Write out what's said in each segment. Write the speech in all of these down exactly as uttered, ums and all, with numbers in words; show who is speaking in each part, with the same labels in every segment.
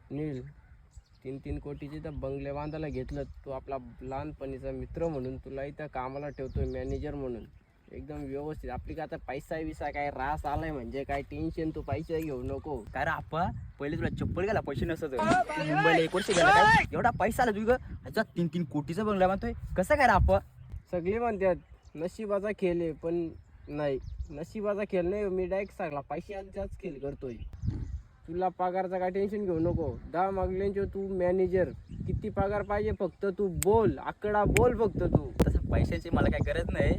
Speaker 1: नील तीन तीन कोटीचे तर बंगले बांधायला घेतलं. तू आपला लहानपणीचा मित्र म्हणून तुला इथं कामाला ठेवतोय मॅनेजर म्हणून. एकदम व्यवस्थित. आपली का आता पैसा विसा काय रास आलाय म्हणजे काय टेन्शन तू पैसे घेऊ नको.
Speaker 2: काय रे आप्पा पहिले तुला चप्पल गेला पैसे नसत मुंबईला एक वर्ष गेला काय एवढा पैसा आला तुझं अच्छा तीन तीन कोटीचा बंगला बांधतोय कसं काय रे आप्पा.
Speaker 1: सगळे म्हणतात नशिबाचा खेळ आहे पण नाही नशिबाचा खेळ नाही. मी डायरेक्ट सांगला पैशाचाच खेळ करतोय. तुला पगारचा काय टेन्शन घेऊ नको. दहा मागल्यांचे तू मॅनेजर. किती पगार पाहिजे फक्त तू बोल. आकडा बोल फक्त तू.
Speaker 2: तसं पैशाची मला काय गरज नाही.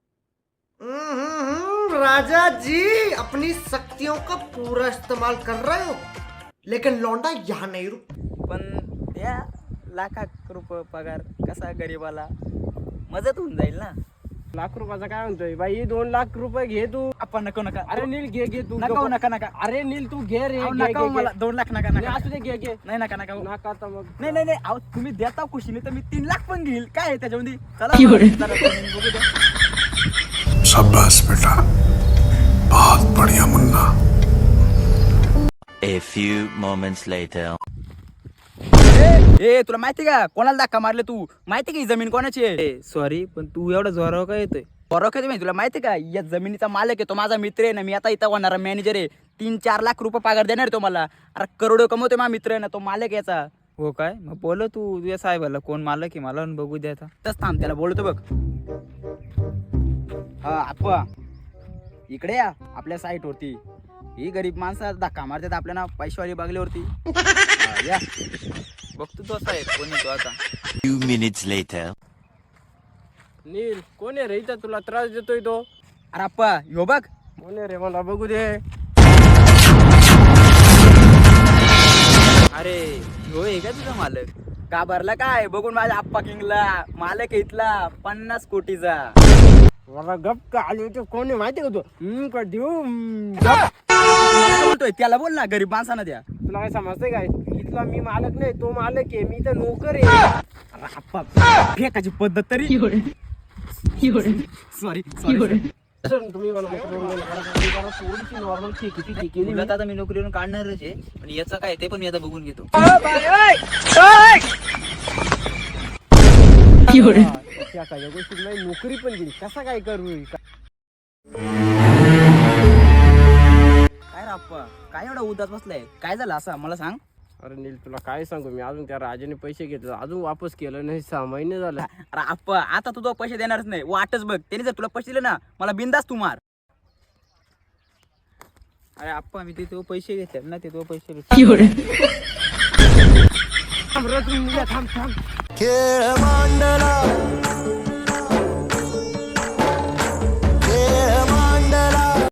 Speaker 3: राजा जी अपनी शक्तियों का पूरा इस्तेमाल कर रहे हो लेकिन लौंडा यहाँ नहीं रुक.
Speaker 2: पण त्या लाखात रुपये पगार कसा गरीबाला मदत होऊन जाईल ना.
Speaker 1: लाख रुपयाचा काय म्हणतोय बाई. दोन लाख रुपये घे तू.
Speaker 2: आपण नको नका
Speaker 1: अरे नील घे घे तू.
Speaker 2: नका नका नका
Speaker 1: अरे नील तू घे रे.
Speaker 2: अहो,
Speaker 1: घे,
Speaker 2: नका
Speaker 1: घे,
Speaker 2: हो मला
Speaker 1: घे.
Speaker 2: दोन लाख नका
Speaker 1: नाही,
Speaker 2: नका
Speaker 1: असू दे घे घे.
Speaker 2: नाही नका नका हो.
Speaker 1: नका आता मग.
Speaker 2: नाही नाही नाही अहो तुम्ही देता खुशीने तर मी तीन लाख पण घेईल काय आहे त्याच्यामध्ये. चला जरा बघू द्या.
Speaker 4: शाबाश बेटा बहुत बढ़िया Munna.
Speaker 5: A few moments later.
Speaker 2: ए तुला माहिती का कोणाला धक्का मारले तू माहिती का ही जमीन कोणाची आहे. सॉरी पण तू एवढा जोरावर काय येतोय. जोरावर काय येतोय तुला माहिती का या जमिनीचा मालक आहे तो माझा मित्र आहे ना. मी आता इथं होणारा मॅनेजर आहे. तीन चार लाख रुपये पगार देणार तो मला. अरे करोडो कमवतोय माझा मित्र आहे ना तो मालक याचा. हो काय मग बोल तू तुझ्या साहेबाला कोण मालक आहे मला बघू द्या. तस थांब त्याला बोलतो बघ. हा आप्पा इकडे या आपल्या साईट वरती. ही गरीब माणसं धक्का मारतात आपल्याला पैशावाली बंगल्यावरती. या बघतो तो साहेब कोणी तो आता.
Speaker 5: Few minutes later.
Speaker 1: नील कोण आहे रे इथं तुला त्रास देतोय तो.
Speaker 2: अरे आप्पा यो बघ.
Speaker 1: कोण आहे रे मला बघू दे.
Speaker 2: अरे हो आहे का तुझा मालक. का भरला काय बघून माझ्या आप्पा किंगला मालक आहे इथला पन्नास कोटीचा.
Speaker 1: मला गप का आली होती. कोण आहे माहिती का तू. हम्म का देऊ. हम्म,
Speaker 2: गप. तुला बोलतोय त्याला बोल ना गरीब माणसानं द्या.
Speaker 1: तुला काय समजतंय काय. इथला मी मालक नाही तो मालक आहे. मी तर नोकर आहे.
Speaker 2: अरे आप्पा फेकाची पद्धत तरी. सॉरी सॉरी
Speaker 1: तुम्ही मला थोडीशी नॉर्मल किती केली.
Speaker 2: तुला तर आता मी नोकरीवरून काढणारच आहे पण याचं काय ते पण मी आता बघून घेतो.
Speaker 1: त्या काही गोष्टी नाही नोकरी पण गेली. कसा काय करू.
Speaker 2: काय रे आप्पा काय एवढा उदास बसलाय काय झालं असं मला सांग.
Speaker 1: अरे नील तुला काय सांगू मी. अजून त्या राजाने पैसे घेतले अजून वापस केलं नाही. सहा महिने झाले.
Speaker 2: अरे आप्पा आता तू तो पैसे देणारच नाही वाटच बघ. त्याने जर तुला पैसे दिले ना मला बिंदास तू मार. अरे आप्पा मी ते तो पैसे घेतले ना ते तो पैसे
Speaker 1: थांब थांब थांब.
Speaker 3: खेळ मांडला